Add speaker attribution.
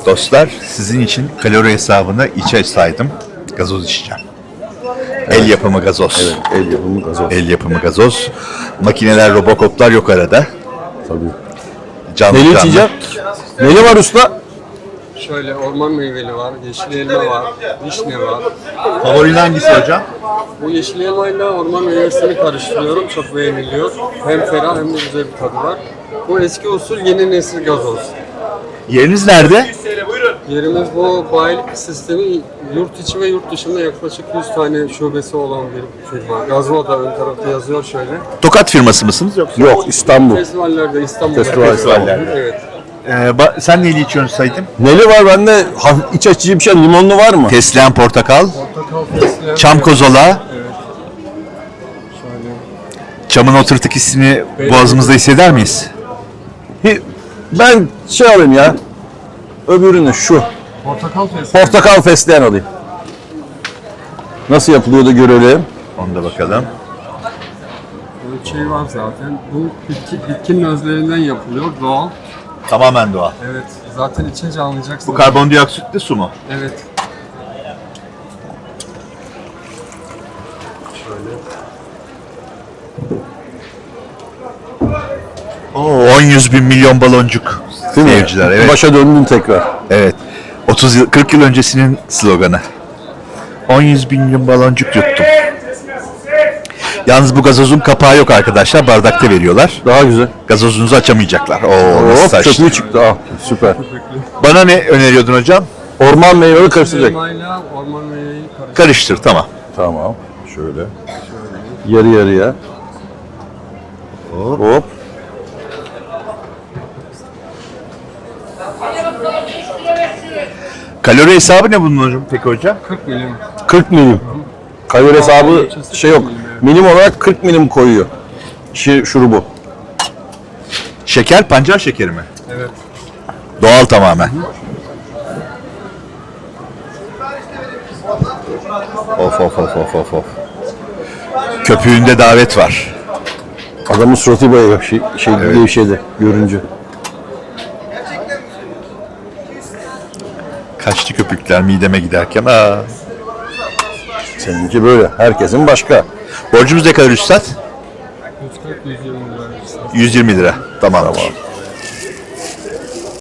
Speaker 1: Dostlar, sizin için kalori hesabını içe saydım. Gazoz içeceğim. El yapımı gazoz.
Speaker 2: Evet, el yapımı gazoz.
Speaker 1: El yapımı gazoz. Makineler, robokoplar yok arada.
Speaker 2: Tabii.
Speaker 1: Canlı
Speaker 2: Neli
Speaker 1: canlı.
Speaker 2: içeceğim? Neli var usta?
Speaker 3: Şöyle orman meyveli var, yeşil elma var, vişne var.
Speaker 1: Favorin hangisi hocam?
Speaker 3: Bu yeşil elmayla orman meyvesini karıştırıyorum. Çok beğeniliyor. Hem ferah hem de güzel bir tadı var. Bu eski usul yeni nesil gazoz.
Speaker 1: Yeriniz nerede?
Speaker 3: Yerimiz bu bayilik sistemi yurt içi ve yurt dışında yaklaşık 100 tane şubesi olan bir firma. Gazno da ön tarafta yazıyor şöyle.
Speaker 1: Tokat firması mısınız yoksa?
Speaker 2: Yok, İstanbul.
Speaker 3: Festivallerde İstanbul'da.
Speaker 2: Festivallerde.
Speaker 3: Evet.
Speaker 1: Sen neyli içiyorsun Saydım?
Speaker 2: Neli var bende? İç açıcı bir şey. Limonlu var mı?
Speaker 1: Fesleğen portakal,
Speaker 3: Portakal fesleğen.
Speaker 1: çam kozola.
Speaker 3: Evet. Şöyle.
Speaker 1: Çamın o tırtık hissini boğazımızda hisseder miyiz?
Speaker 2: Ben şey alayım ya. Öbürünü şu.
Speaker 3: Portakal fesleğen.
Speaker 2: Portakal fesleğen alayım. Nasıl yapılıyor da görelim.
Speaker 1: Onu da bakalım.
Speaker 3: Ölçeği var zaten. Bu bitkinin özlerinden yapılıyor. Doğal.
Speaker 1: Tamamen doğal.
Speaker 3: Evet. Zaten içince anlayacaksın.
Speaker 1: Bu karbondioksitli su mu?
Speaker 3: Evet. Şöyle.
Speaker 1: Oo, 10-100 bin milyon baloncuk.
Speaker 2: Değil mi?
Speaker 1: Seyirciler, evet.
Speaker 2: Başa döndün tekrar.
Speaker 1: Evet. 30 yıl, 40 yıl öncesinin sloganı. 10-100 bin milyon baloncuk yuttum. Yalnız bu gazozun kapağı yok arkadaşlar. Bardakta veriyorlar.
Speaker 2: Daha güzel.
Speaker 1: Gazozunuzu açamayacaklar. Oo, nasıl
Speaker 2: Hop,
Speaker 1: saçtı.
Speaker 2: çöplüğü çıktı. Ah, süper.
Speaker 1: Bana ne öneriyordun hocam?
Speaker 2: Orman meyveleri karıştıracak.
Speaker 3: Elmayla orman meyveyi
Speaker 1: Karıştır, tamam.
Speaker 2: Tamam. Şöyle. Yarı yarıya. Hop.
Speaker 1: Kalori hesabı ne bunun hocam peki hocam?
Speaker 3: 40 milim.
Speaker 2: 40 milim. Kalori hesabı şey yok. Milim olarak 40 milim koyuyor. Şurubu.
Speaker 1: Şeker, pancar şekeri mi?
Speaker 3: Evet.
Speaker 1: Doğal tamamen. Of of of of of of. Köpüğünde davet var.
Speaker 2: Adamın suratı bayağı gevşedi görünce.
Speaker 1: Kaçtı köpükler mideme giderken. Aa.
Speaker 2: Seninki böyle. Herkesin başka.
Speaker 1: Borcumuz ne kadar üstad?
Speaker 3: 140-120 lira.
Speaker 1: 120 lira. Tamam.